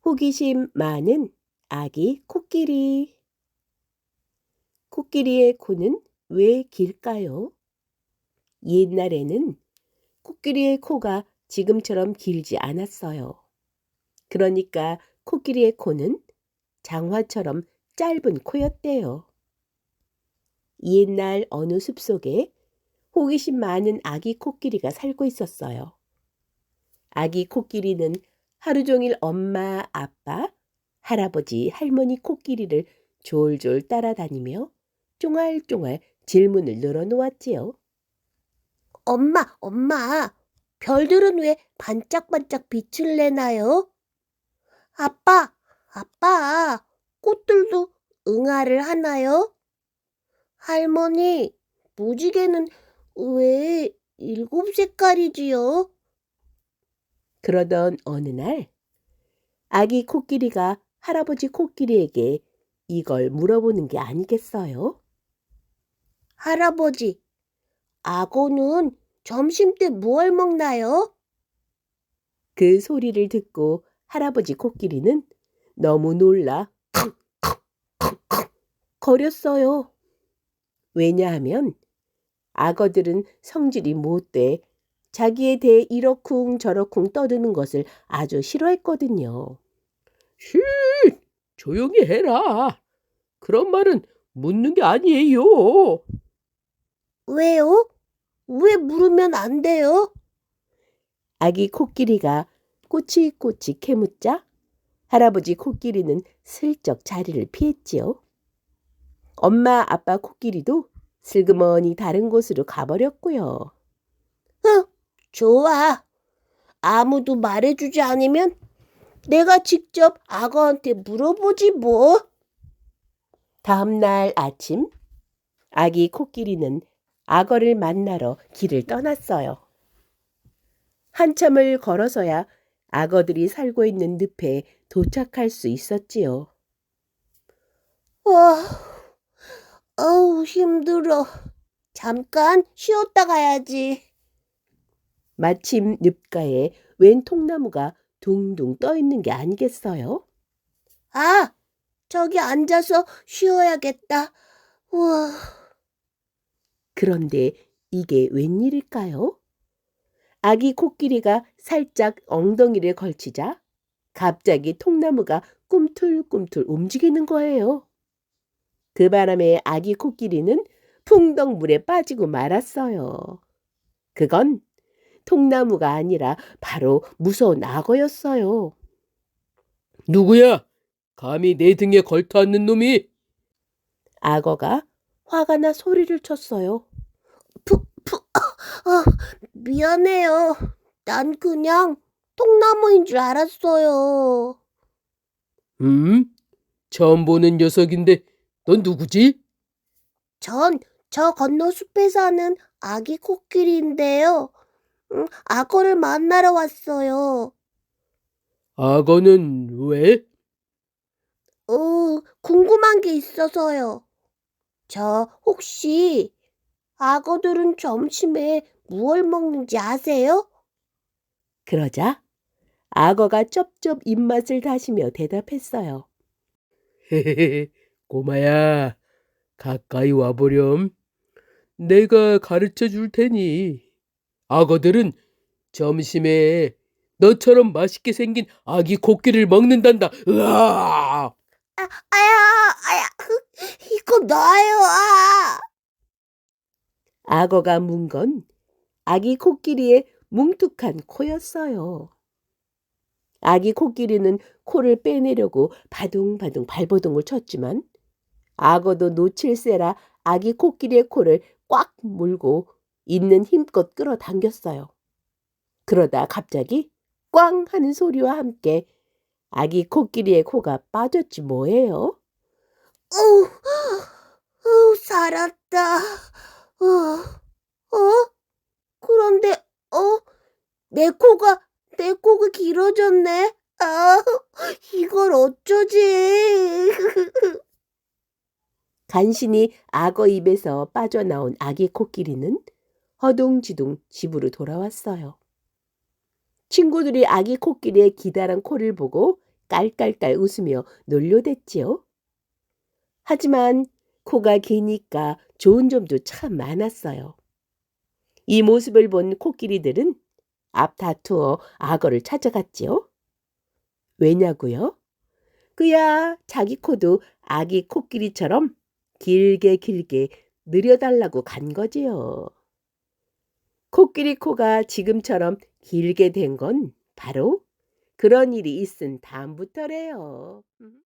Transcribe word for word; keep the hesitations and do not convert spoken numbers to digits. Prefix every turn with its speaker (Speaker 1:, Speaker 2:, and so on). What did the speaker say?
Speaker 1: 호기심 많은 아기 코끼리. 코끼리의 코는 왜 길까요? 옛날에는 코끼리의 코가 지금처럼 길지 않았어요. 그러니까 코끼리의 코는 장화처럼 짧은 코였대요. 옛날 어느 숲속에 호기심 많은 아기 코끼리가 살고 있었어요. 아기 코끼리는 하루 종일 엄마, 아빠, 할아버지, 할머니 코끼리를 졸졸 따라다니며 쫑알쫑알 질문을 늘어놓았지요.
Speaker 2: 엄마, 엄마, 별들은 왜 반짝반짝 빛을 내나요? 아빠, 아빠, 꽃들도 응아를 하나요? 할머니, 무지개는 왜 일곱 색깔이지요?
Speaker 1: 그러던 어느 날 아기 코끼리가 할아버지 코끼리에게 이걸 물어보는 게 아니겠어요?
Speaker 2: 할아버지, 악어는 점심때 무얼 먹나요?
Speaker 1: 그 소리를 듣고 할아버지 코끼리는 너무 놀라 거렸어요. 왜냐하면 악어들은 성질이 못돼 자기에 대해 이러쿵 저러쿵 떠드는 것을 아주 싫어했거든요. 쉿! 조용히 해라. 그런 말은 묻는 게 아니에요.
Speaker 2: 왜요? 왜 물으면 안 돼요?
Speaker 1: 아기 코끼리가 꼬치꼬치 캐묻자 할아버지 코끼리는 슬쩍 자리를 피했지요. 엄마 아빠 코끼리도 슬그머니 다른 곳으로 가버렸고요.
Speaker 2: 흥, 좋아. 아무도 말해주지 않으면 내가 직접 악어한테 물어보지 뭐.
Speaker 1: 다음 날 아침 아기 코끼리는 악어를 만나러 길을 떠났어요. 한참을 걸어서야 악어들이 살고 있는 늪에 도착할 수 있었지요.
Speaker 2: 와, 어우, 힘들어. 잠깐 쉬었다 가야지.
Speaker 1: 마침 늪가에 웬 통나무가 둥둥 떠 있는 게 아니겠어요?
Speaker 2: 아, 저기 앉아서 쉬어야겠다. 우와.
Speaker 1: 그런데 이게 웬일일까요? 아기 코끼리가 살짝 엉덩이를 걸치자 갑자기 통나무가 꿈틀꿈틀 움직이는 거예요. 그 바람에 아기 코끼리는 풍덩 물에 빠지고 말았어요. 그건 통나무가 아니라 바로 무서운 악어였어요. 누구야? 감히 내 등에 걸터앉는 놈이? 악어가 화가 나 소리를 쳤어요.
Speaker 2: 푸, 푸, 아, 미안해요. 난 그냥 통나무인 줄 알았어요.
Speaker 1: 음? 처음 보는 녀석인데 넌 누구지?
Speaker 2: 전 저 건너 숲에 사는 아기 코끼리인데요. 음, 악어를 만나러 왔어요.
Speaker 1: 악어는 왜?
Speaker 2: 어, 궁금한 게 있어서요. 저 혹시 악어들은 점심에 무얼 먹는지 아세요?
Speaker 1: 그러자 악어가 쩝쩝 입맛을 다시며 대답했어요. 헤헤헤, 꼬마야, 가까이 와보렴. 내가 가르쳐 줄 테니. 악어들은 점심에 너처럼 맛있게 생긴 아기 코끼리를 먹는단다. 으아!
Speaker 2: 아, 아야, 아야, 이거 나예요, 아!
Speaker 1: 악어가 문 건 아기 코끼리의 뭉툭한 코였어요. 아기 코끼리는 코를 빼내려고 바둥바둥 발버둥을 쳤지만 악어도 놓칠세라 아기 코끼리의 코를 꽉 물고 있는 힘껏 끌어당겼어요. 그러다 갑자기 꽝 하는 소리와 함께 아기 코끼리의 코가 빠졌지 뭐예요.
Speaker 2: 어우, 어우, 살았다. 어, 어? 그런데, 어? 내 코가, 내 코가 길어졌네. 아, 이걸 어쩌지?
Speaker 1: 간신히 악어 입에서 빠져나온 아기 코끼리는 허둥지둥 집으로 돌아왔어요. 친구들이 아기 코끼리의 기다란 코를 보고 깔깔깔 웃으며 놀려댔지요. 하지만 코가 기니까 좋은 점도 참 많았어요. 이 모습을 본 코끼리들은 앞 다투어 악어를 찾아갔지요. 왜냐고요? 그야 자기 코도 아기 코끼리처럼 길게 길게 늘여달라고 간 거지요. 코끼리 코가 지금처럼 길게 된 건 바로 그런 일이 있은 다음부터래요.